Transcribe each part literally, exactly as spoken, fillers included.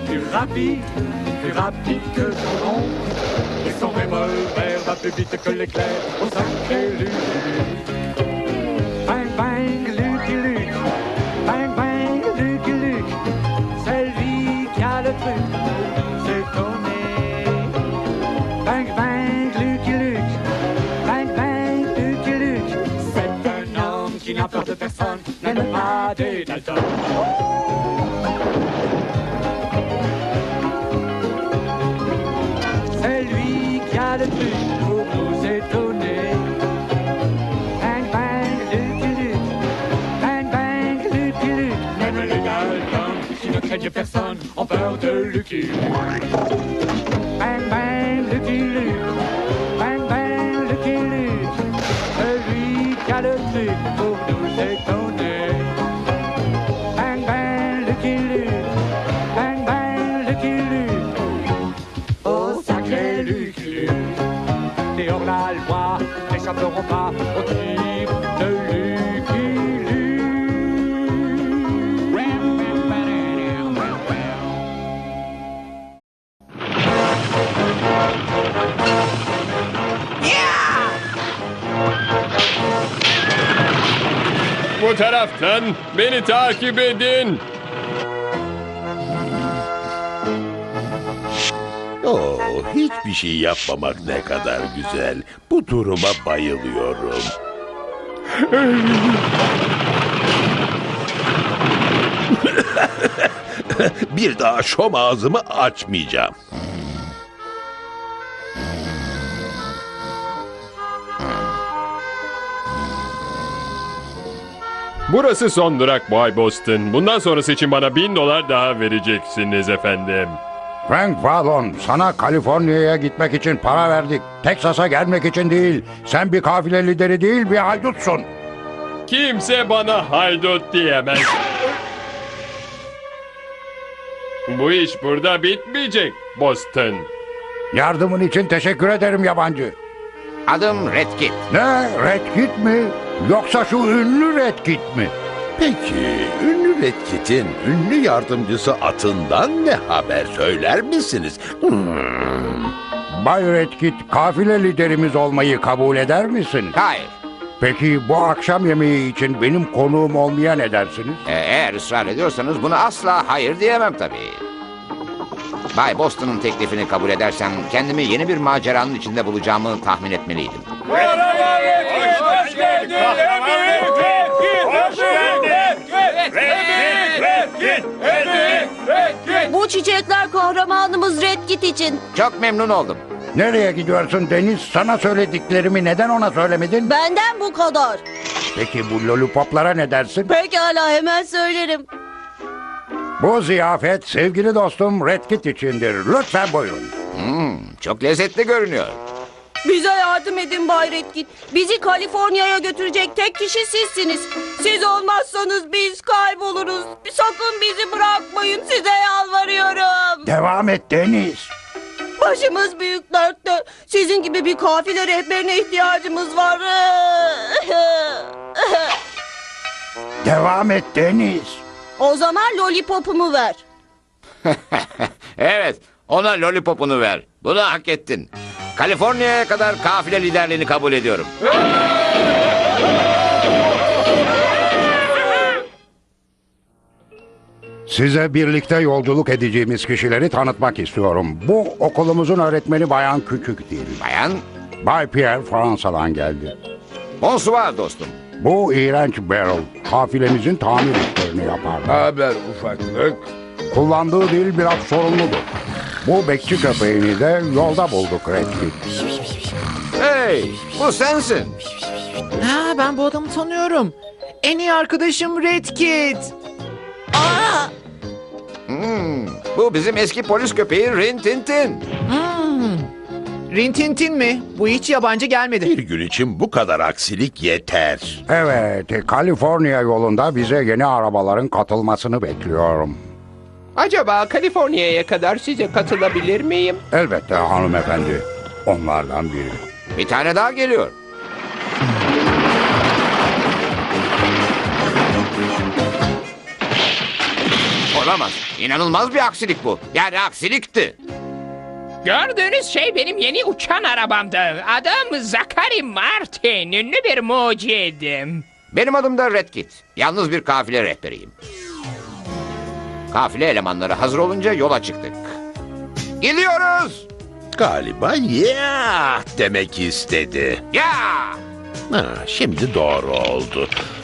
plus rapide, plus rapide que son ombre. Et son revolver va plus vite que l'éclair au sacré Lucky. Bang bang Lucky Luke, bang bang Lucky Luke, c'est lui qui a le truc, c'est Tony. Bang bang Lucky Luke, bang bang Lucky Luke, c'est un homme qui n'a peur de personne, même pas des Dalton. C'est lui qui a le truc pour nous étonner. Bang bang Lucky Luke, bang bang Lucky Luke, même les Dalton qui ne craignent personne ont peur de Lucky. Bang bang Lucky Luke, bang bang Lucky Luke, c'est lui qui a le truc pour nous étonner. Bang bang Lucky Luke, bang bang Lucky Luke, oh sacré Lucky Luke. Les hors-la-loi n'échapperont pas au tir de Lucky Luke. Bu taraftan beni takip edin. Oo, hiçbir şey yapmamak ne kadar güzel. Bu duruma bayılıyorum. Bir daha şom ağzımı açmayacağım. Burası son durak Bay Boston. Bundan sonrası için bana bin dolar daha vereceksiniz efendim. Frank Fallon, sana Kaliforniya'ya gitmek için para verdik. Teksas'a gelmek için değil. Sen bir kafile lideri değil, bir haydutsun. Kimse bana haydut diyemez. Bu iş burada bitmeyecek Boston. Yardımın için teşekkür ederim yabancı. Adım Red Kit. Ne? Red Kit mi? Yoksa şu ünlü Red Kit mi? Peki, ünlü Red Kit'in ünlü yardımcısı atından ne haber söyler misiniz? Hmm. Bay Red Kit, kafile liderimiz olmayı kabul eder misin? Hayır. Peki bu akşam yemeği için benim konuğum olmaya ne dersiniz? Ee, eğer ısrar ediyorsanız buna asla hayır diyemem tabii. Bay Boston'un teklifini kabul edersem kendimi yeni bir maceranın içinde bulacağımı tahmin etmeliydim. Hoş geldin. Bu çiçekler kahramanımız Red Kit için. Çok memnun oldum. Nereye gidiyorsun Deniz? Sana söylediklerimi neden ona söylemedin? Benden bu kadar. Peki bu lollipoplara ne dersin? Pekala, hemen söylerim. Bu ziyafet sevgili dostum Red Kit içindir. Lütfen buyurun. Hmm, çok lezzetli görünüyor. Bize yardım edin Bay Red Kit. Bizi Kaliforniya'ya götürecek tek kişi sizsiniz. Siz olmazsanız biz kayboluruz. Sakın bizi bırakmayın, size yalvarıyorum. Devam et Deniz. Başımız büyük dertte. Sizin gibi bir kafile rehberine ihtiyacımız var. Devam et Deniz. O zaman lollipopumu ver. Evet, ona lollipopunu ver. Bunu hak ettin. Kaliforniya'ya kadar kafile liderliğini kabul ediyorum. Size birlikte yolculuk edeceğimiz kişileri tanıtmak istiyorum. Bu okulumuzun öğretmeni Bayan Küçük değil. Bayan, Bay Pierre Fransa'dan geldi. bonsoir dostum. Bu iğrenç Beryl kafilemizin tamir işlerini yapar. Haber ufaklık. Kullandığı dil biraz sorunludur. Bu bekçi köpeğini de yolda bulduk Red Kit. Hey, bu sensin. Ha, ben bu adamı tanıyorum. En iyi arkadaşım Red Kit. Aa! Hmm, bu bizim eski polis köpeği Rin Tin Tin. Hmm. Rintintin mi? Bu hiç yabancı gelmedi. Bir gün için bu kadar aksilik yeter. Evet, Kaliforniya yolunda bize yeni arabaların katılmasını bekliyorum. Acaba Kaliforniya'ya kadar size katılabilir miyim? Elbette hanımefendi. Onlardan biri. Bir tane daha geliyor. Olamaz. İnanılmaz bir aksilik bu. Yani aksilikti. Gördüğünüz şey benim yeni uçan arabamdı. Adım Zachary Martin. Ünlü bir mucidim. Benim adım da Red Kit. Yalnız bir kafile rehberiyim. Kafile elemanları hazır olunca yola çıktık. Gidiyoruz. Galiba ya demek istedi. Ya! Ha, şimdi doğru oldu.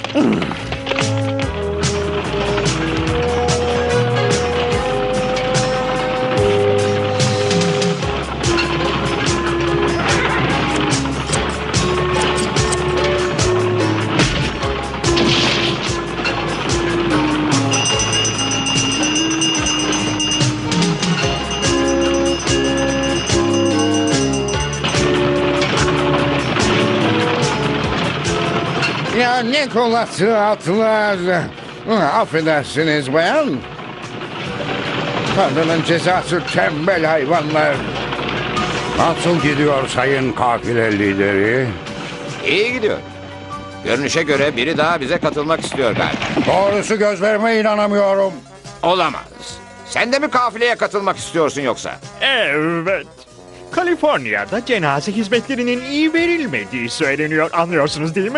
Ya ne kolası atlar. Affedersiniz bayan. Tanrı'nın cezası tembel hayvanlar. Nasıl gidiyor sayın kafile lideri? İyi gidiyor. Görünüşe göre biri daha bize katılmak istiyor galiba. Doğrusu gözlerime inanamıyorum. Olamaz. Sen de mi kafileye katılmak istiyorsun yoksa? Evet. Kaliforniya'da cenaze hizmetlerinin iyi verilmediği söyleniyor. Anlıyorsunuz değil mi?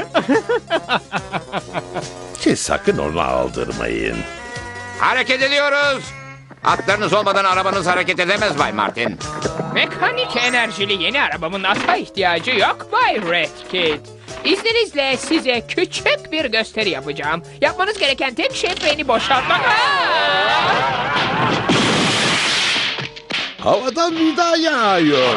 Siz sakın onu aldırmayın. Hareket ediyoruz. Atlarınız olmadan arabanız hareket edemez Bay Martin. Mekanik enerjili yeni arabamın ata ihtiyacı yok Bay Red Kit. İzninizle size küçük bir gösteri yapacağım. Yapmanız gereken tek şey beni boşaltmak. Havadan vida yağıyor.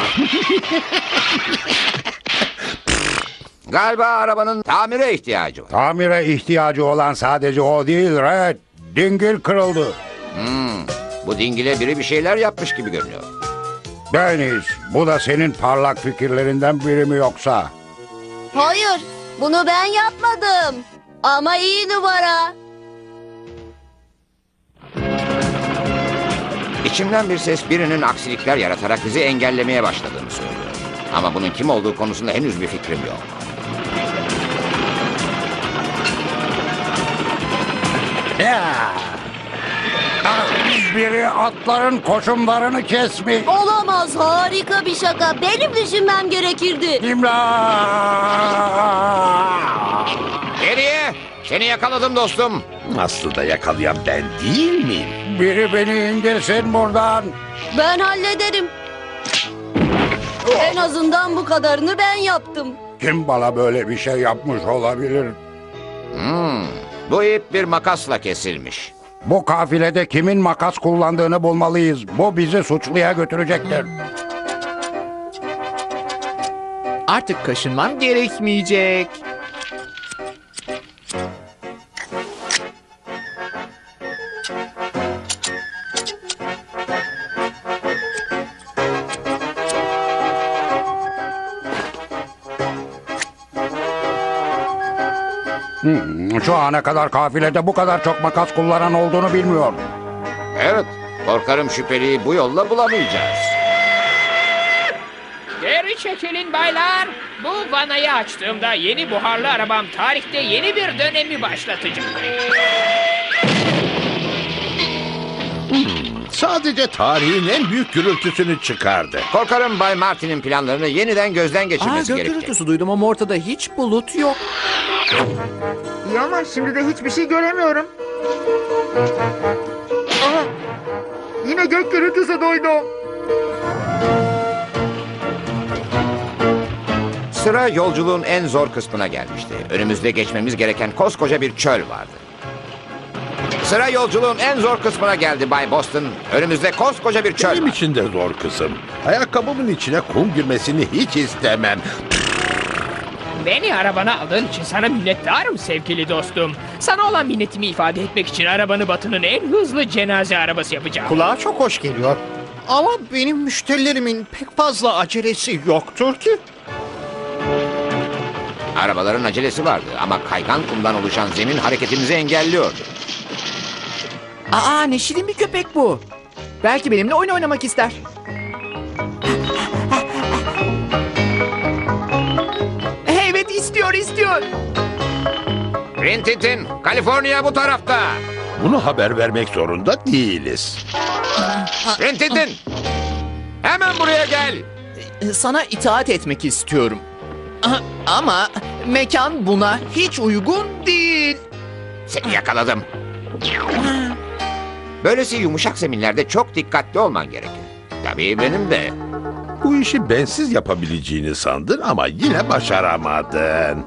Galiba arabanın tamire ihtiyacı var. Tamire ihtiyacı olan sadece o değil Red. Dingil kırıldı. Hmm, bu dingile biri bir şeyler yapmış gibi görünüyor. Deniz, bu da senin parlak fikirlerinden biri mi yoksa? Hayır, bunu ben yapmadım. Ama iyi numara. İçimden bir ses birinin aksilikler yaratarak bizi engellemeye başladığını söylüyor. Ama bunun kim olduğu konusunda henüz bir fikrim yok. Ya! Ah, biri atların koşumlarını kesmiş. Olamaz, harika bir şaka. Benim düşünmem gerekirdi. İmdat! Geriye! Seni yakaladım dostum. Aslında yakalayan ben değil miyim? Biri beni indirsin buradan. Ben hallederim. En azından bu kadarını ben yaptım. Kim bana böyle bir şey yapmış olabilir? Hmm, bu ip bir makasla kesilmiş. Bu kafilede kimin makas kullandığını bulmalıyız. Bu bizi suçluya götürecektir. Artık kaşınmam gerekmeyecek. Hmm, şu ana kadar kafilede bu kadar çok makas kullanan olduğunu bilmiyordum. Evet, korkarım şüpheliyi bu yolla bulamayacağız. Geri çekilin baylar. Bu vanayı açtığımda yeni buharlı arabam tarihte yeni bir dönemi başlatacak. Sadece tarihin en büyük gürültüsünü çıkardı. Korkarım Bay Martin'in planlarını yeniden gözden Aa, geçirmesi gök gerekecek. gürültüsü duydum ama ortada hiç bulut yok. İyi ama şimdi de hiçbir şey göremiyorum. Aha! Yine gök gürültüsü duydum. Sıra yolculuğun en zor kısmına gelmişti. Önümüzde geçmemiz gereken koskoca bir çöl vardı. Sıra yolculuğun en zor kısmına geldi Bay Boston. Önümüzde koskoca bir çöl Benim var. için de zor kızım. Ayakkabımın içine kum girmesini hiç istemem. Beni arabana aldığın için sana minnettarım sevgili dostum. Sana olan minnetimi ifade etmek için arabanı Batı'nın en hızlı cenaze arabası yapacağım. Kulağa çok hoş geliyor. Ama benim müşterilerimin pek fazla acelesi yoktur ki. Arabaların acelesi vardı ama kaygan kumdan oluşan zemin hareketimizi engelliyordu. Aa, ne şirin bir köpek bu. Belki benimle oyun oynamak ister. Evet, istiyor istiyor. Rintintin, Kaliforniya bu tarafta. Bunu haber vermek zorunda değiliz. Rintintin! Hemen buraya gel. Sana itaat etmek istiyorum. Ah, Ama mekan buna hiç uygun değil. Seni yakaladım. Böylesi yumuşak zeminlerde çok dikkatli olman gerekir. Tabii benim de. Bu işi bensiz yapabileceğini sandın ama yine başaramadın.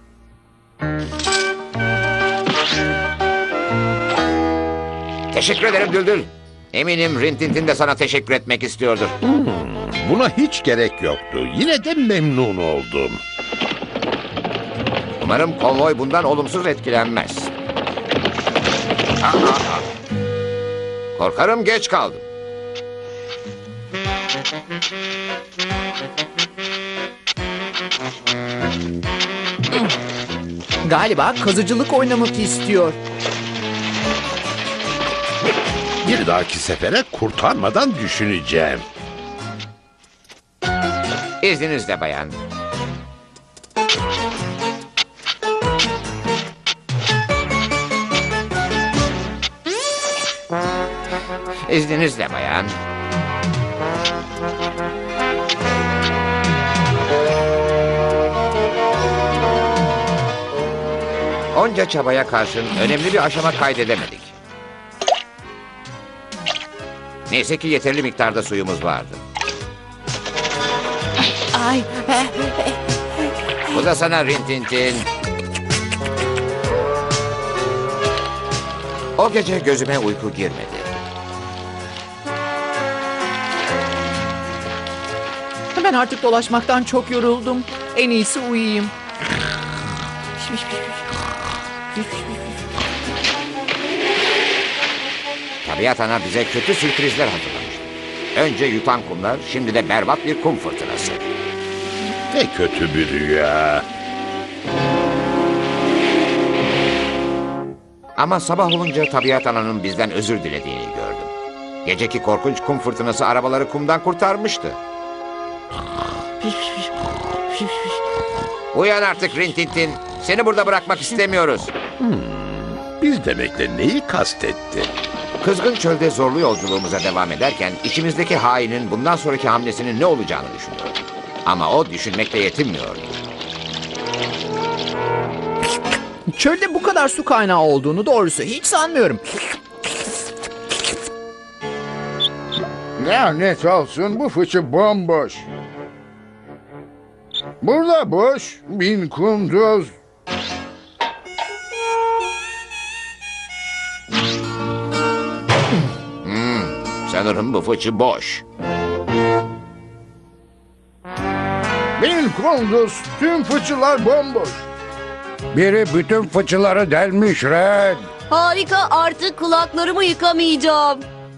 Teşekkür ederim Düldül. Eminim Rintintin de sana teşekkür etmek istiyordur. Buna hiç gerek yoktu. Yine de memnun oldum. Umarım konvoy bundan olumsuz etkilenmez. Aa, aa. Korkarım geç kaldım. Galiba kazıcılık oynamak istiyor. Bir dahaki sefere kurtarmadan düşüneceğim. İzninizle bayan. İzninizle bayan. Onca çabaya karşın önemli bir aşama kaydedemedik. Neyse ki yeterli miktarda suyumuz vardı. Ay, Bu da sana Rintintin. O gece gözüme uyku girmedi. ben artık dolaşmaktan çok yoruldum. En iyisi uyuyayım. Tabiat ana bize kötü sürprizler hazırlamış. Önce yutan kumlar, şimdi de berbat bir kum fırtınası. Ne kötü bir rüya. Ama sabah olunca tabiat ananın bizden özür dilediğini gördüm. Geceki korkunç kum fırtınası arabaları kumdan kurtarmıştı. Uyan artık Rintintin. Seni burada bırakmak istemiyoruz. Biz demekle neyi kastetti? Kızgın çölde zorlu yolculuğumuza devam ederken içimizdeki hainin bundan sonraki hamlesinin ne olacağını düşünüyordum. Ama o düşünmekle yetinmiyordu. Çölde bu kadar su kaynağı olduğunu doğrusu hiç sanmıyorum. Lanet olsun, bu fıçı bomboş. Burada boş, bin kunduz. Sanırım bu fıçı boş. Bin kunduz, tüm fıçılar bomboş. Biri bütün fıçıları delmiş Red. Harika, artık kulaklarımı yıkamayacağım.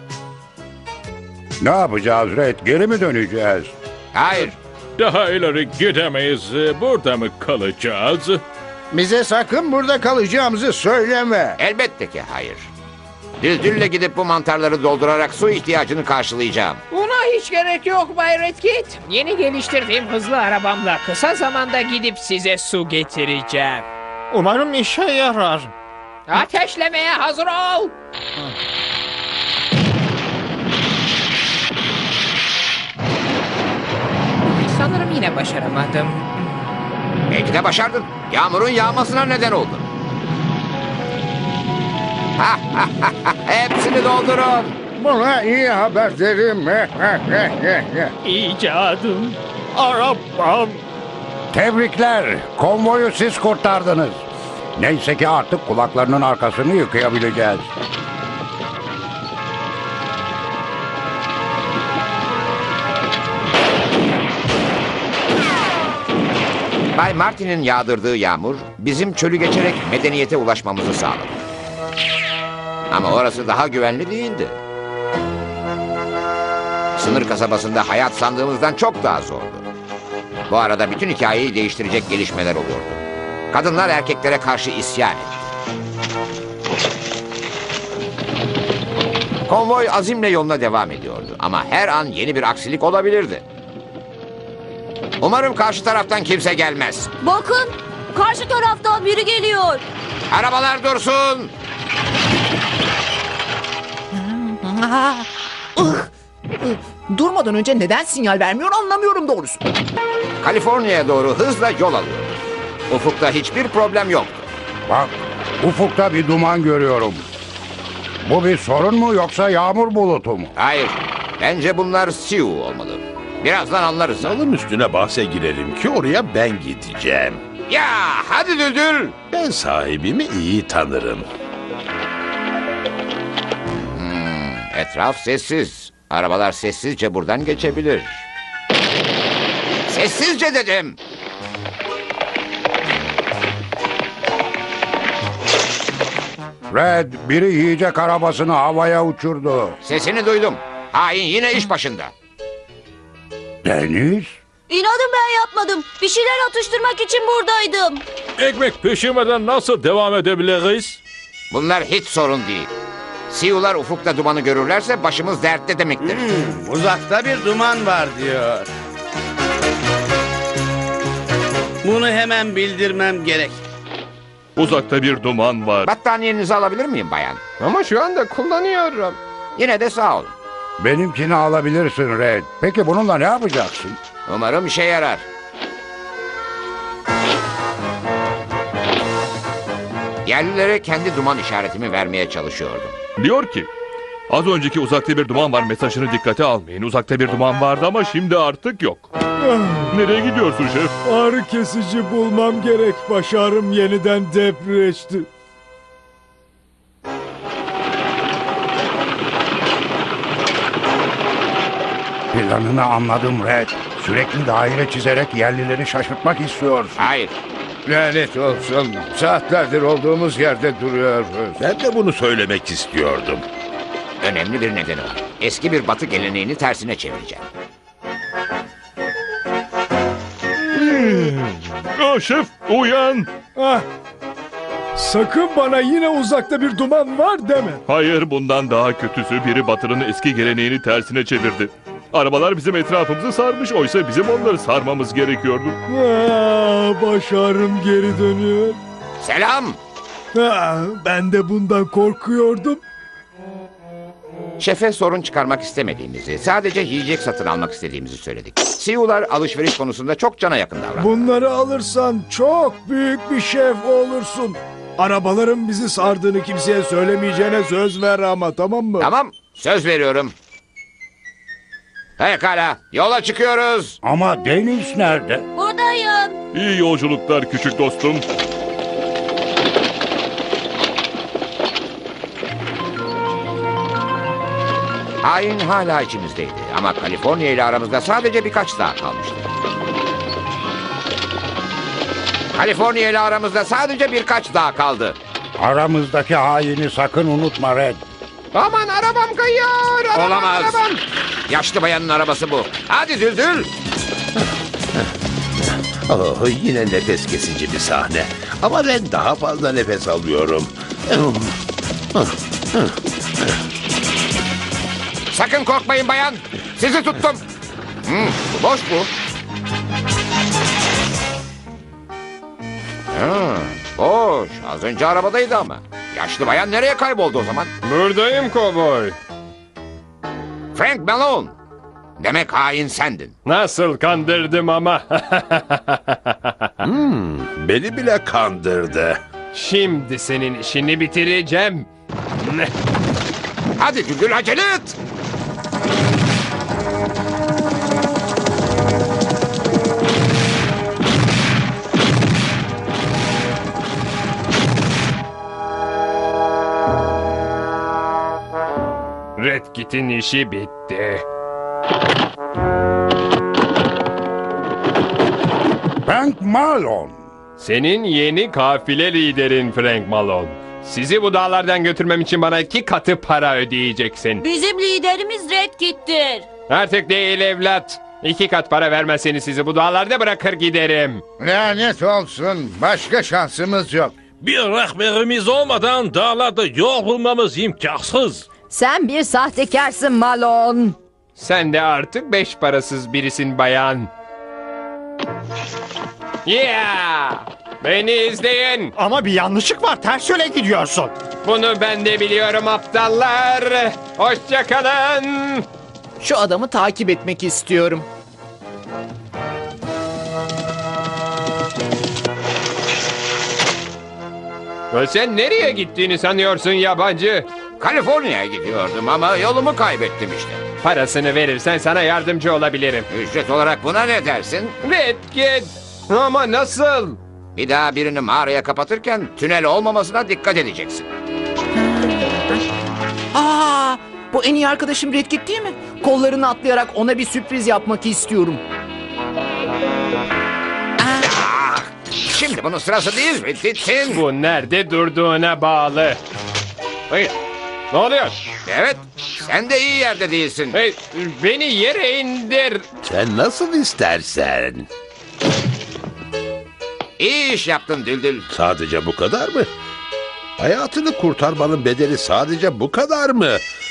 Ne yapacağız Red? Geri mi döneceğiz? Hayır. Daha ileri gidemeyiz. Burada mı kalacağız? Bize sakın burada kalacağımızı söyleme. Elbette ki hayır. Düldülle gidip bu mantarları doldurarak su ihtiyacını karşılayacağım. Buna hiç gerek yok Bay Redkit. Yeni geliştirdiğim hızlı arabamla kısa zamanda gidip size su getireceğim. Umarım işe yarar. Ateşlemeye hazır ol. Sanırım yine başaramadım. Belki de başardın. Yağmurun yağmasına neden oldun. Ha, ha, ha, ha. Hepsini doldurun. Buna iyi haber derim. İcadım. Arabam. Tebrikler. Konvoyu siz kurtardınız. Neyse ki artık kulaklarının arkasını yıkayabileceğiz. Bay Martin'in yağdırdığı yağmur bizim çölü geçerek medeniyete ulaşmamızı sağladı. Ama orası daha güvenli değildi. Sınır kasabasında hayat sandığımızdan çok daha zordu. Bu arada bütün hikayeyi değiştirecek gelişmeler oluyordu. Kadınlar erkeklere karşı isyan etti. Konvoy azimle yoluna devam ediyordu ama her an yeni bir aksilik olabilirdi. Umarım karşı taraftan kimse gelmez. Bakın, karşı taraftan biri geliyor. Arabalar dursun! Aa, ıh, ıh. Durmadan önce neden sinyal vermiyor anlamıyorum doğrusu. Kaliforniya'ya doğru hızla yol alıyor. Ufukta hiçbir problem yok. Bak, ufukta bir duman görüyorum. Bu bir sorun mu yoksa yağmur bulutu mu? Hayır. Bence bunlar Sioux olmalı. Birazdan anlarız. Salın üstüne bahse girelim ki oraya ben gideceğim. Ya hadi Düldül. Ben sahibimi iyi tanırım. Etraf sessiz. Arabalar sessizce buradan geçebilir. Sessizce dedim. Red, biri yiyecek arabasını havaya uçurdu. Sesini duydum. Hain yine iş başında. Deniz? İnadım ben yapmadım. Bir şeyler atıştırmak için buradaydım. Ekmek pişirmeden nasıl devam edebiliriz? Bunlar hiç sorun değil. Sioux'lar ufukta dumanı görürlerse başımız dertte demektir. Uzakta bir duman var diyor. Bunu hemen bildirmem gerek. Uzakta bir duman var. Battaniyenizi alabilir miyim bayan? Ama şu anda kullanıyorum. Yine de sağ olun. Benimkini alabilirsin Red. Peki bununla ne yapacaksın? Umarım işe yarar. Yerlilere kendi duman işaretimi vermeye çalışıyordum. Diyor ki, az önceki uzakta bir duman var mesajını dikkate almayın. Uzakta bir duman vardı ama şimdi artık yok. Nereye gidiyorsun şef? Ağrı kesici bulmam gerek. Başarım yeniden depreşti. Planını anladım Red. Sürekli daire çizerek yerlileri şaşırtmak istiyorsun. Hayır. Lanet olsun. Saatlerdir olduğumuz yerde duruyoruz. Ben de bunu söylemek istiyordum. Önemli bir nedeni var. Eski bir batı geleneğini tersine çevireceğim. Aa, şef uyan. Ah. Sakın bana yine uzakta bir duman var deme. Hayır, bundan daha kötüsü, biri Batı'nın eski geleneğini tersine çevirdi. Arabalar bizim etrafımızı sarmış, oysa bizim onları sarmamız gerekiyordu. Ah, başarım geri dönüyor. Selam. Ah, ben de bundan korkuyordum. Şefe sorun çıkarmak istemediğimizi, sadece yiyecek satın almak istediğimizi söyledik. Sioux'lar alışveriş konusunda çok cana yakın davrandı. Bunları alırsan çok büyük bir şef olursun. Arabaların bizi sardığını kimseye söylemeyeceğine söz ver ama, tamam mı? Tamam, söz veriyorum. Pekala, yola çıkıyoruz. Ama Deniz nerede? Buradayım. İyi yolculuklar küçük dostum. Hain hala içimizdeydi ama Kaliforniya ile aramızda sadece birkaç dağ kalmıştı. Kaliforniya ile aramızda sadece birkaç dağ kaldı. Aramızdaki haini sakın unutma Red. Aman arabam kayıyor. Arabam, Olamaz. Arabam. Yaşlı bayanın arabası bu. Hadi Düldül. Oh, yine nefes kesici bir sahne. Ama ben daha fazla nefes alıyorum. Sakın korkmayın bayan. Sizi tuttum. Hmm, bu boş bu. Ha, boş. Az önce arabadaydı ama. Yaşlı bayan nereye kayboldu o zaman? Buradayım kovboy. Frank Malone. Demek hain sendin. Nasıl kandırdım ama. Hmm, beni bile kandırdı. Şimdi senin işini bitireceğim. Hadi Düldül acele et. Red Kit'in işi bitti. Frank Malone. Senin yeni kafile liderin Frank Malone. Sizi bu dağlardan götürmem için bana iki katı para ödeyeceksin. Bizim liderimiz Red Kit'tir. Artık değil evlat. İki kat para vermezseniz sizi bu dağlarda bırakır giderim. Lanet olsun. Başka şansımız yok. Bir rehberimiz olmadan dağlarda yol bulmamız imkansız. Sen bir sahtekarsın Malone. Sen de artık beş parasız birisin bayan. Yeah! Beni izleyin. Ama bir yanlışlık var. Ters yöne gidiyorsun. Bunu ben de biliyorum aptallar. Hoşça kalın. Şu adamı takip etmek istiyorum. Sen nereye gittiğini sanıyorsun yabancı? Kaliforniya'ya gidiyordum ama yolumu kaybettim işte. Parasını verirsen sana yardımcı olabilirim. Ücret olarak buna ne dersin? Red Kit. Ama nasıl? Bir daha birini mağaraya kapatırken tünel olmamasına dikkat edeceksin. Aa, bu en iyi arkadaşım Red Kit değil mi? Kollarını atlayarak ona bir sürpriz yapmak istiyorum. Ah, şimdi bunun sırası değil Red Kit'in. Bu nerede durduğuna bağlı. Hayır. Ne oluyor? Evet, sen de iyi yerde değilsin. Hey, beni yere indir. Sen nasıl istersen. İyi iş yaptın Düldül. Sadece bu kadar mı? Hayatını kurtarmanın bedeli sadece bu kadar mı?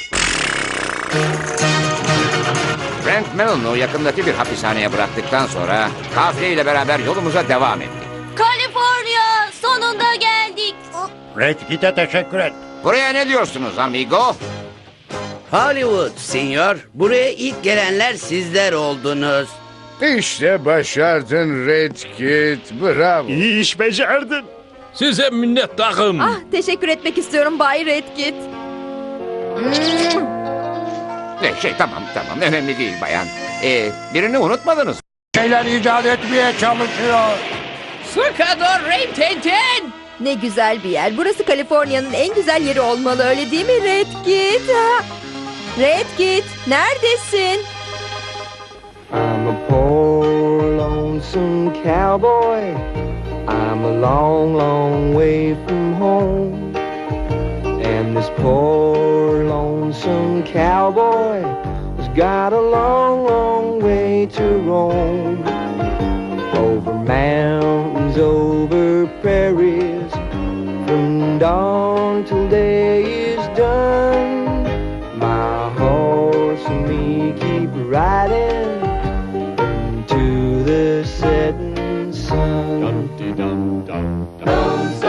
Frank Mellon'u yakındaki bir hapishaneye bıraktıktan sonra kafile ile beraber yolumuza devam ettik. Kaliforniya, sonunda geldik. Red Kit'e teşekkür et. Buraya ne diyorsunuz amigo? Hollywood, senyor. Buraya ilk gelenler sizler oldunuz. İşte başardın Red Kit. Bravo. İyi iş becerdin. Size minnettarım. Ah, teşekkür etmek istiyorum Bay Redkit. Ne şey tamam tamam önemli değil bayan. Ee, birini unutmadınız. Şeyler icat etmeye çalışıyor. Sıkı dur Ray Tintin. Ne güzel bir yer. Burası Kaliforniya'nın en güzel yeri olmalı, öyle değil mi Redkit? Ha? Redkit, neredesin? I'm a poor lonesome cowboy. I'm a long, long way from home. And this poor lonesome cowboy has got a long, long way to roam. Over mountains, over prairies, from dawn till day is done. My horse and me keep riding to the setting sun. Dum-de-dum-dum-dum.